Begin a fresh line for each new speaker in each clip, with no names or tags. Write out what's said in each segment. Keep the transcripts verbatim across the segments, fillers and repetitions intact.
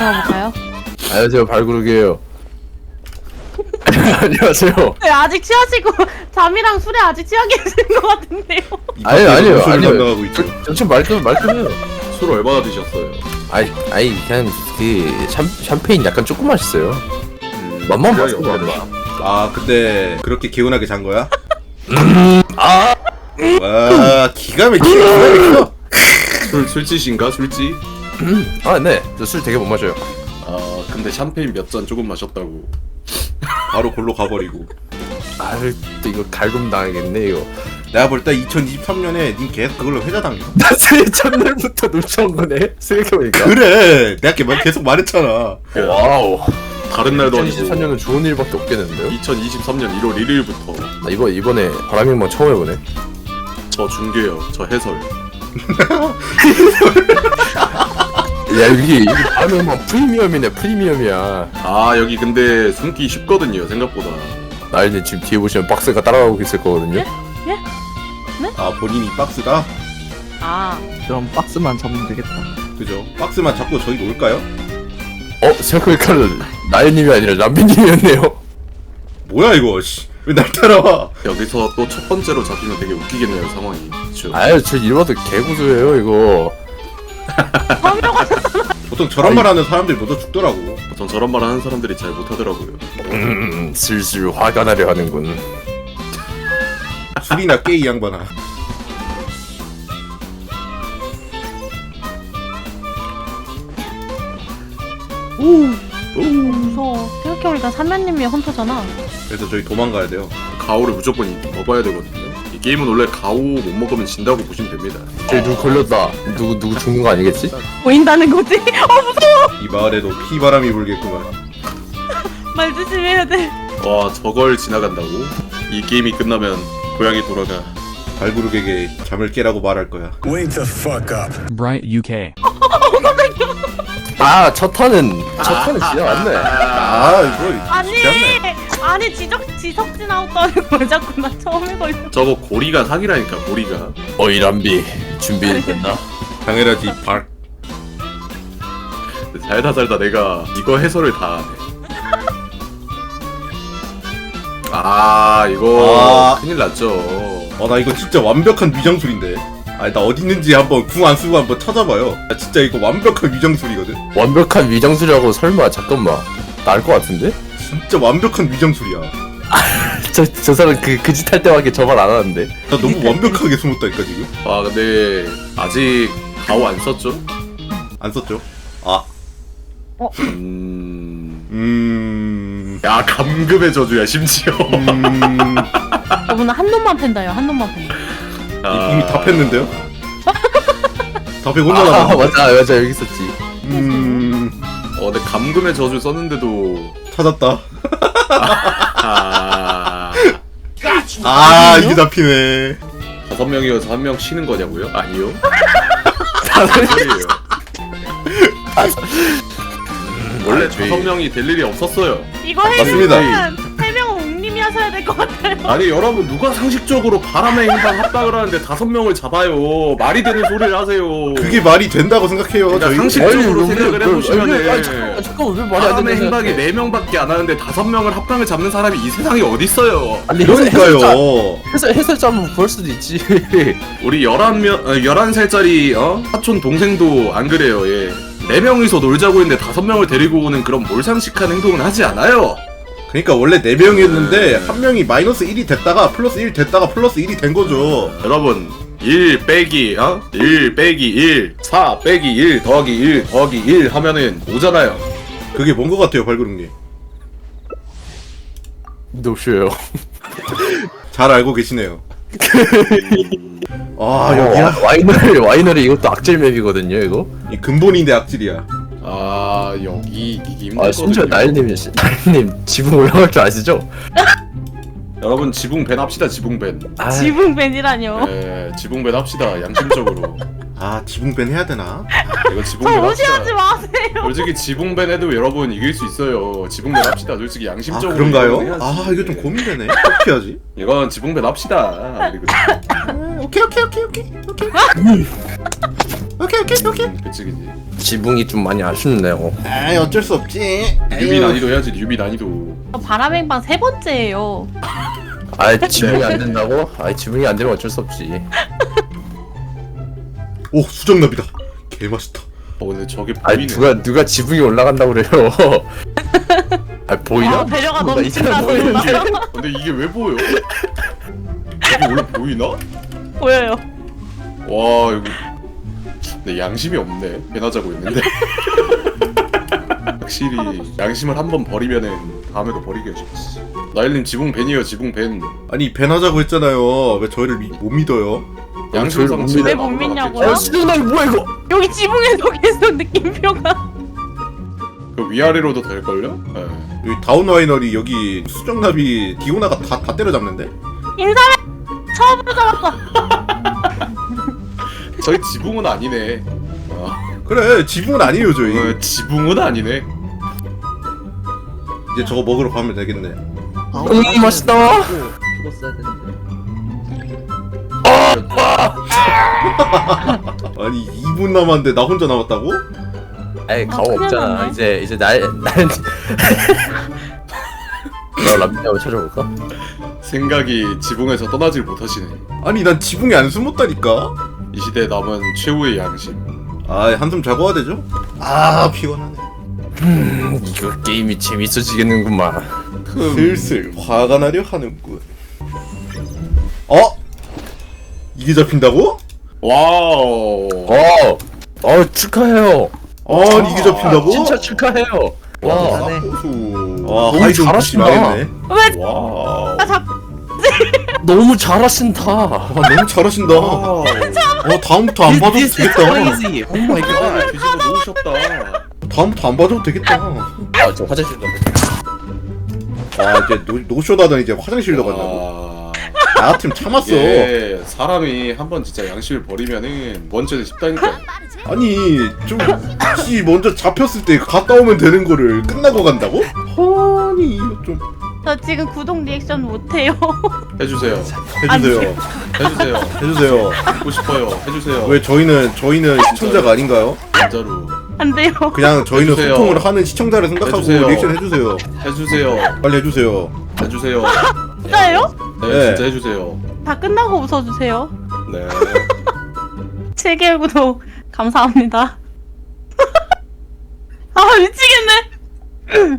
들어가 볼까요?
안녕하세요, 발구르기예요. 안녕하세요.
네, 아직 취하시고 잠이랑 술에 아직 취하게 계신 것 같은데요.
아니요, 아니요,
소리
아니요.
나가고 있죠.
저, 저 지금 말끔 말끔해요.
술 얼마나 드셨어요?
아이, 아이 그냥 그 샴, 샴페인 약간 조금 맛있어요.
음,
맛만
분량이
봤어,
어떻게
맛만.
아 근데 그렇게 개운하게 잔 거야?
아,
와 기가 막히게 기가 막혀.
술 술집인가 술집?
아, 네, 저 술 되게 못 마셔요.
아 근데 샴페인 몇 잔 조금 마셨다고.
바로 골로 가버리고.
아, 또 이거 갈굼 당하겠네 이거.
내가 볼 때 이천이십삼 년에 님 계속 그걸로 회자 당겨.
나 새해 첫날부터 놀쳐온 거네. 생각해보니까.
그래 내가 계- 계속 말했잖아.
와우.
다른 날도 아니고
이천이십삼 년은 좋은 일밖에 없겠는데요?
이천이십삼 년 일월 일일부터
나 이번 이번에 바람행방 처음 해보네.
저 중계요, 저 해설.
야, 여기 이게 바람행방 프리미엄이네, 프리미엄이야.
아 여기 근데 숨기 쉽거든요 생각보다.
나 이제 지금 뒤에 보시면 박스가 따라가고 있을 거거든요.
아 본인이 박스다?
아,
그럼 박스만 잡으면 되겠다.
그죠? 박스만 잡고 저기 놀까요?
어, 생각해보니까 나연님이 아니라 람비님이었네요.
뭐야 이거 씨. 왜 날 따라와?
여기서 또 첫 번째로 잡히면 되게 웃기겠네요 상황이. 그쵸?
아유, 저 이러봐도 개구조예요 이거.
보통 저런 말 하는 사람들이 먼저 죽더라고.
전 저런 말 하는 사람들이 잘 못하더라고요.
음, 슬슬 화가 나려 하는군.
술이나 깨 이 양반아.
무서워. 생각해보니까 삼면님이 헌터잖아.
그래서 저희 도망가야 돼요.
가오를 무조건 이- 먹어야 되거든요. 이 게임은 원래 가오 못 먹으면 진다고 보시면 됩니다.
저기 누구 걸렸다. 누구 누구 죽는 거 아니겠지?
보인다는 거지? 어,
이 마을에도 피바람이 불겠구만.
말 조심해야 돼.
와 저걸 지나간다고? 이 게임이 끝나면 고향이 돌아가.
발구르게게 잠을 깨라고 말할 거야.
Wake the fuck up.
Bright 유케이.
아, 첫 턴은 첫 턴은 지나갔네.
아 이거
아니,
쉽지 않네.
아니 지적 지석진 아웃도하는 걸 자꾸 나 처음에 걸려.
저거 고리가 사기라니까 고리가.
어이 람비 준비됐나?
당연하지 발.
살다 살다 내가 이거 해설을 다 하네. 아 이거
아.
큰일 났죠.
어나 이거 진짜 완벽한 위장술인데. 아니 나 어디 있는지 한번 궁 안 쓰고 한번 찾아봐요. 나 진짜 이거 완벽한 위장술이거든.
완벽한 위장술이라고 설마 잠깐만 나을 것 같은데?
진짜 완벽한 위장술이야.
저 저 사람 그 그 짓 할 때밖에 저 말 안 하는데.
나 너무 완벽하게 숨었다니까 지금.
아 근데 아직 가오 안 썼죠?
안 썼죠? 아.
음...
음.
야 감금의 저주야 심지어.
음.
저분은 한 놈만 팬다요. 한 놈만 팬다.
아,
이미 다 팼는데요? 다 패고 혼자
아,
남았어.
맞아 맞아 여기 있었지.
음.
어 근데 감금의 저주 썼는데도
찾았다.
아...
아 이게 잡히네.
다섯 명이어서 한 명 쉬는 거냐고요? 아니요. 다섯 명이에요. 원래
아, 저희-
다섯 명이 될 일이 없었어요.
이거
맞습니다.
해주면 세명 웅님이 하셔야 될 것 같아요.
아니 여러분 누가 상식적으로 바람의 행방 합방을 하는데 다섯 명을 잡아요. 말이 되는 소리를 하세요.
그게 말이 된다고 생각해요.
그러니까
저희.
상식적으로
아니,
생각을
왜-
해보시면은
왜- 아니, 잠깐만 잠깐만 왜 말이 안
바람의
되는
행방이 네 명밖에 안 하는데 다섯 명을 합방을 잡는 사람이 이 세상에 어딨어요.
아니
그러니까요.
해설 해설자 한번 볼 수도 있지.
우리 열한 명, 어, 열한 살짜리 어? 사촌 동생도 안 그래요. 예. 네 명이서 놀자고 했는데 다섯 명을 데리고 오는 그런 몰상식한 행동은 하지 않아요.
그러니까 원래 네 명이었는데 한 명이 마이너스 일이 됐다가 플러스 일 됐다가 플러스 일이 된 거죠.
여러분 일 빼기 어? 일 빼기 일 사 빼기 일 더하기 일 더하기 일 하면은 오잖아요.
그게 뭔 거 같아요, 발그룹님?
노쇼요.
잘 알고 계시네요. 아
아,
여기야?
와이너리 와이너리 이것도 악질 맵이거든요 이거.
이 근본인데 악질이야.
아 여기 이기기
아 심지어 나일님이 나일님 지붕 올라갈 줄 아시죠?
여러분 지붕밴 합시다 지붕밴.
아,
지붕밴이라뇨.
네 지붕밴 합시다 양심적으로.
아 지붕밴 해야 되나?
이거
저
지붕밴
무시하지
합시다.
마세요.
솔직히 지붕밴 해도 여러분 이길 수 있어요. 지붕밴 합시다. 솔직히
아
양심적으로.
그런가요?
이거는 해야지.
아 이거 좀 고민되네. 어떻게 하지?
이건 지붕밴 합시다. 그리고
음, 오케이 오케이 오케이 오케이 오케이 오케이 오케이 오케이 오케이.
음, 그치 그치.
지붕이 좀 많이 아쉽네요.
아이 어쩔 수 없지.
유비 난이도 해야지 유비 난이도.
저 바람행방 세 번째예요.
아 지붕이 안 된다고? 아 지붕이 안 되면 어쩔 수 없지.
오 수정납이다. 개 맛있다.
어 근데 저게
아
보이네.
누가 누가 지붕이 올라간다고 그래요? 아 보이나?
아, 배려가
나
넘친다,
이제 보이는데.
소리가.
근데 이게 왜 보여? 이게 원래 보이나?
보여요.
와 이거 내 양심이 없네. 배나 자고 있는데. 확실히 양심을 한 번 버리면은 다음에도 버리기 쉽지. 나일님 지붕 벤이에요 지붕 벤.
아니 벤 하자고 했잖아요. 왜 저희를 미, 못 믿어요?
양심상
저희를
왜 못 믿냐고요?
어 수정남이 뭐야 이거?
여기 지붕에서 계속 느낌표가.
그 위아래로도 될걸요? 네.
여기 다운와이너리 여기 수정납이 디오나가 다, 다 때려잡는데?
인사해. 처음으로 잡았어.
저희 지붕은 아니네. 아,
그래 지붕은 아니에요 저희.
어, 지붕은 아니네.
이제 저거 먹으러 가면 되겠네.
음 맛있다.
죽었어야 되는데.
아니 이 분 남았는데 나 혼자 남았다고?
에이 가오
큰일
없잖아.
났네.
이제 이제 날날 너 람비 한번 찾아볼까?
생각이 지붕에서 떠나질 못하시네.
아니 난 지붕에 안 숨었다니까?
이 시대에 남은 최후의 양심.
아 한숨 자고 와야 되죠? 아 피곤하네.
음, 이거 게임이 재밌어지겠는구만.
슬슬 화가 나려 하는군. 어? 이게 잡힌다고?
와우.
어, 어 축하해요.
아니 이게 잡힌다고?
진짜 축하해요. 와,
잘하네.
고수. 와
너무
하이좀
잘하신다.
망했네.
왜?
와우.
나 잡.
너무 잘하신다.
와 너무 잘하신다. 어 다음부터 안 봐줘도 되겠다.
오 마이 갓.
아, 뒤집어 놓으셨다.
다음부터 안 봐줘도 되겠다.
아, 저 화장실 좀.
아 이제 노, 노쇼다더니 이제 화장실로 간다고.
아,
나 같으면 참았어.
예, 사람이 한번 진짜 양심을 버리면은 원죄는 쉽다니까.
아니 좀 혹시 먼저 잡혔을 때 갔다 오면 되는 거를 끝나고 간다고? 아니 이거 좀
저 지금 구독 리액션 못해요.
해주세요.
해주세요.
해주세요.
해주세요.
듣고 싶어요. 해주세요.
왜 저희는 저희는 시청자가 아닌가요?
진짜로.
안 돼요.
그냥 저희는
해주세요.
소통을 하는 시청자를 생각하고
해주세요.
리액션 해주세요.
해주세요.
빨리 해주세요.
해주세요.
진짜예요?
네,
네.
진짜 해주세요.
다 끝나고 웃어주세요.
네.
칠 개월 구독 감사합니다. 아 미치겠네.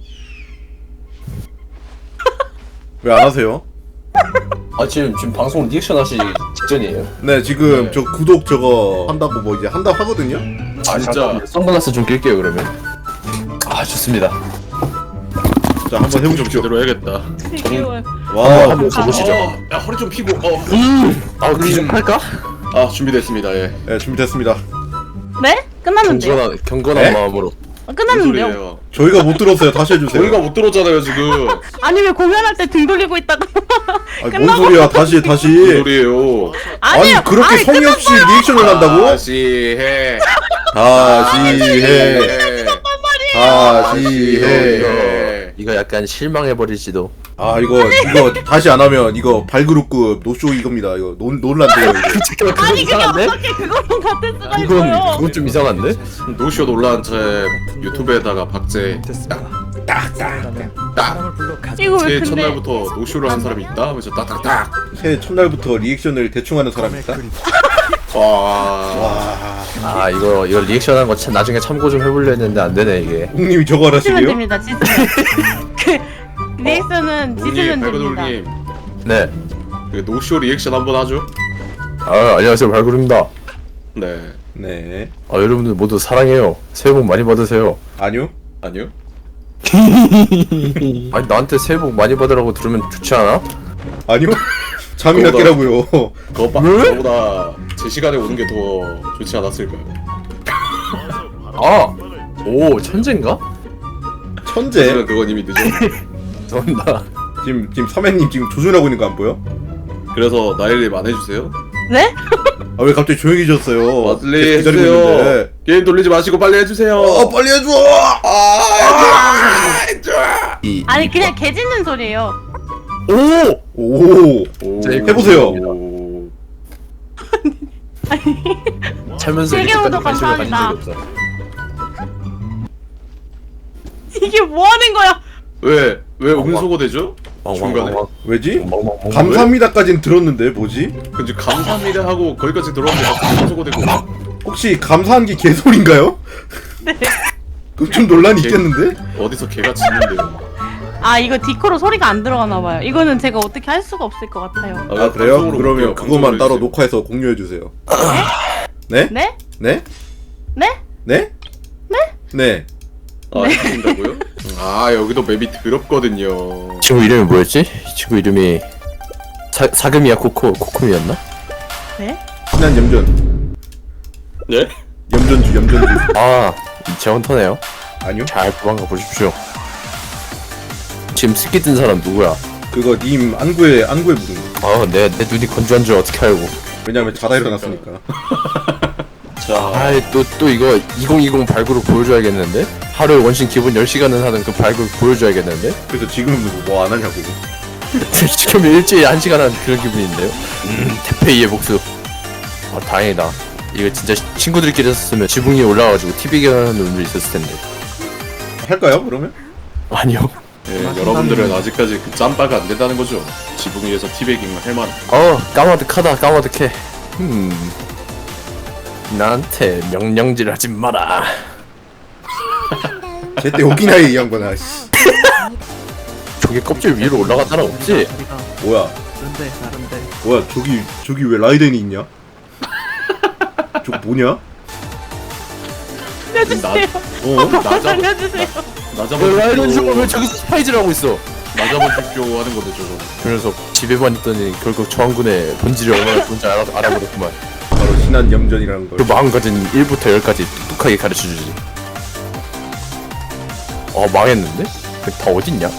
왜 안 하세요?
아 지금 지금 방송 리액션 하시 직전이에요.
네 지금
네.
저 구독 저거 한다고 뭐 이제 한다고 하거든요.
아
진짜.
선글라스 좀 낄게요 그러면. 아 좋습니다.
자 한번
좀
해보십시오.
제대로 해야겠다.
칠 개월.
와
한번 가보시죠.
어, 야 허리 좀 피고. 어.
아 귀좀 할까?
아 준비됐습니다. 예.
네, 준비됐습니다.
네? 끝났는데요?
경건한 경건한
네?
마음으로.
아,
무슨
끝났는데요?
소리예요?
저희가 못 들었어요. 다시 해주세요.
저희가 못 들었잖아요 지금.
아니 왜 공연할 때 등 돌리고 있다가
아니, 뭔 소리야? 다시 다시.
무슨 소리예요?
아니
아니요.
그렇게
아니,
성의 없이 리액션을 한다고?
다시 해.
다시 해.
해.
다시 해.
해.
이거 약간 실망해버릴지도.
아 이거 이거 다시 안 하면 이거 발그룹급 노쇼 이겁니다. 이거 논 논란돼요 이거.
잠깐만 그건
아니 그게
이상한데?
어떻게 그거랑 같을 수가
이건
있어요?
그건 좀 이상한데?
노쇼 논란 제 유튜브에다가 박제.
이거 왜
새해
근데
첫날부터 노쇼를 한 사람이 있다 하면서 딱딱딱.
새해 첫날부터 리액션을 대충 하는 사람이 있다.
와.
와.
아 이거 이거 리액션한 거 참 나중에 참고 좀 해보려 했는데 안 되네 이게.
홍님이 저거
지시면
하시게요?
됩니다. 지시면. 그 리액션은
노님,
지시면 됩니다.
발그돌님,
네.
그 노쇼 리액션 한번 하죠.
아 안녕하세요 발굴입니다.
네.
네.
아 여러분들 모두 사랑해요. 새해 복 많이 받으세요.
아니요.
아니요.
아니 나한테 새해 복 많이 받으라고 들으면 좋지 않아?
아니요. 잠이나
그거다.
깨라고요.
그것봐.
왜?
그거보다 제 시간에 오는 게 더 좋지 않았을까요?
아! 오 천재인가?
천재.
하지만 그건 이미 늦어.
죄송합니다.
지금 지금 서맨님 지금 조준하고 있는 거 안 보여?
그래서 나일님 안 해주세요?
네?
아 왜 갑자기 조용해졌어요?
빨리
계속 기다리고
해주세요.
있는데.
게임 돌리지 마시고 빨리 해주세요.
어 빨리 해줘.
아, 해줘.
이
아니 그냥 개 짖는 소리예요.
오!
오.
오,
자,
해보세요.
오.
살면서
세계
이렇게까지
구독
관심을 가진
감사합니다.
적이 없어.
이게 뭐 하는 거야?
왜? 왜 음소거 되죠?
어,
중간에.
왜지?
멍멍멍.
감사합니다까진 들었는데 뭐지?
근데 감사합니다 하고 거기까지 들어왔는데 갑자기 음소거 되고.
혹시 감사한 게 개소리인가요?
네.
그럼 좀 논란이 있겠는데?
어디서 개가 짖는데요?
아 이거 디코로 소리가 안 들어가나 봐요. 이거는 제가 어떻게 할 수가 없을 것 같아요.
아 그래요?
방송으로
그러면
볼게요.
그것만
방송으로
따로
해주세요.
녹화해서 공유해주세요. 네?
네?
네?
네?
네? 네?
아, 해준다고요? 아, 여기도 맵이 더럽거든요.
친구 이름이 뭐였지? 이 친구 이름이 사, 사금이야 코코 코코미였나?
네?
신한 염전.
네?
염전주 염전주.
아 재원터네요.
아니요?
잘 도망가 보십시오. 지금 스키 뜬 사람 누구야?
그거 님 안구에 안구에 묻은 거.
아내 내 눈이 건조한 줄 어떻게 알고?
왜냐면 자다 일어났으니까.
자,
아이 또 또 이거 이천이십 발굴을 보여줘야겠는데? 하루에 원신 기본 열 시간은 하는 그 발굴 보여줘야겠는데?
그래서 지금은 뭐 안 하냐고.
지금 일주일에 한 시간 하는 그런 기분인데요? 음 태페이의 복수. 아 다행이다. 이거 진짜 친구들끼리 했었으면 지붕 위에 올라가가지고 티비 하는 놈들 있었을 텐데.
할까요? 그러면?
아니요.
예, 여러분들은 아직까지 그 짬바가 안 된다는 거죠. 지붕 위에서 티베깅을 할 만.
어 까마득하다 까마득해. 음 나한테 명령질 하지 마라.
제때 오기나이 이 양반아. 씨.
저게 껍질 위로 올라가다는 없지?
다리가
뭐야?
다른데 다른데.
뭐야? 저기 저기 왜 라이덴이 있냐? 저거 뭐냐?
살려주세요.
어?
나 잡아,
살려주세요.
나
왜
잡아
라이런
줍쇼.
왜 저기서 스파이즈를 하고 있어?
나 잡아 줍쇼 하는 건데 저거.
그 녀석 집에만 있더니 결국 저항군의 본질이 얼마나 좋은지 알아, 알아버렸구만.
바로 신한 염전이라는 걸.
그 마음가진 일부터 열까지 똑똑하게 가르쳐주지. 어 망했는데? 다 어딨냐?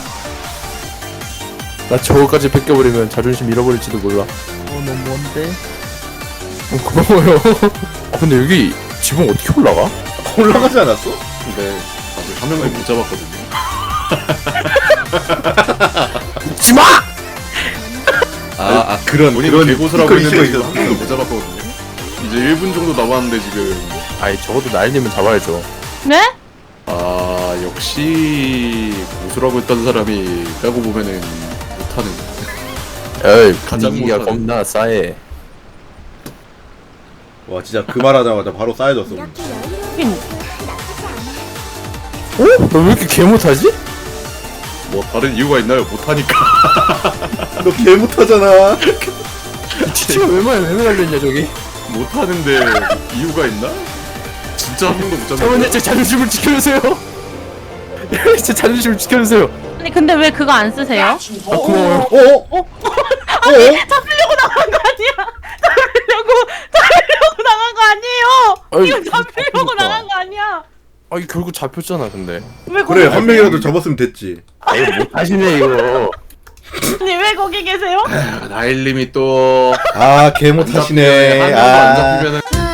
나 저거까지 뺏겨버리면 자존심 잃어버릴지도 몰라.
어, 너 뭔데?
어, 고마워요. 아 근데 여기 지붕 어떻게 올라가?
올라가지 않았어?
근데 아직 한 명도 못 잡았거든요.
웃지마!
아, 아 그런
본인
그런
개고수라고
그런
했는데
이슈가
지금 한 명도 못 잡았거든요. 이제 일 분 정도 남았는데 지금.
아이 적어도 날리면 잡아야죠.
네?
아, 역시 고수라고 했던 사람이 빼고 보면은 못하는.
에이
가장
분위기가
못하는.
겁나 싸해.
와 진짜 그 말하자마자 바로 쌓여졌어.
하긴
어? 너 왜 이렇게 개 못하지?
뭐 다른 이유가 있나요? 못하니까.
너 개 못하잖아.
티티가 얼마나 왜 날렸냐 저기?
못하는데 이유가 있나? 진짜 한 명도 못 잡는
잠깐만요
거야?
제 자존심을 지켜주세요. 제 자존심을 지켜주세요.
아니 근데 왜 그거 안 쓰세요?
아 고마워요.
어? 어? 어?
잡히려고 나간 거 아니야? 잡히려고 잡히려고 나간 거 아니에요?
아이,
이거 잡히려고
그러니까.
나간 거 아니야?
아 이 결국 잡혔잖아 근데.
왜 거기
그래 한
계세요?
명이라도 잡았으면 됐지.
아 이거 못하시네 이거.
아니 왜 거기 계세요?
아, 나일님이 또
아 개
안
못하시네.
잡히면 한 명도 안
아.
잡히면은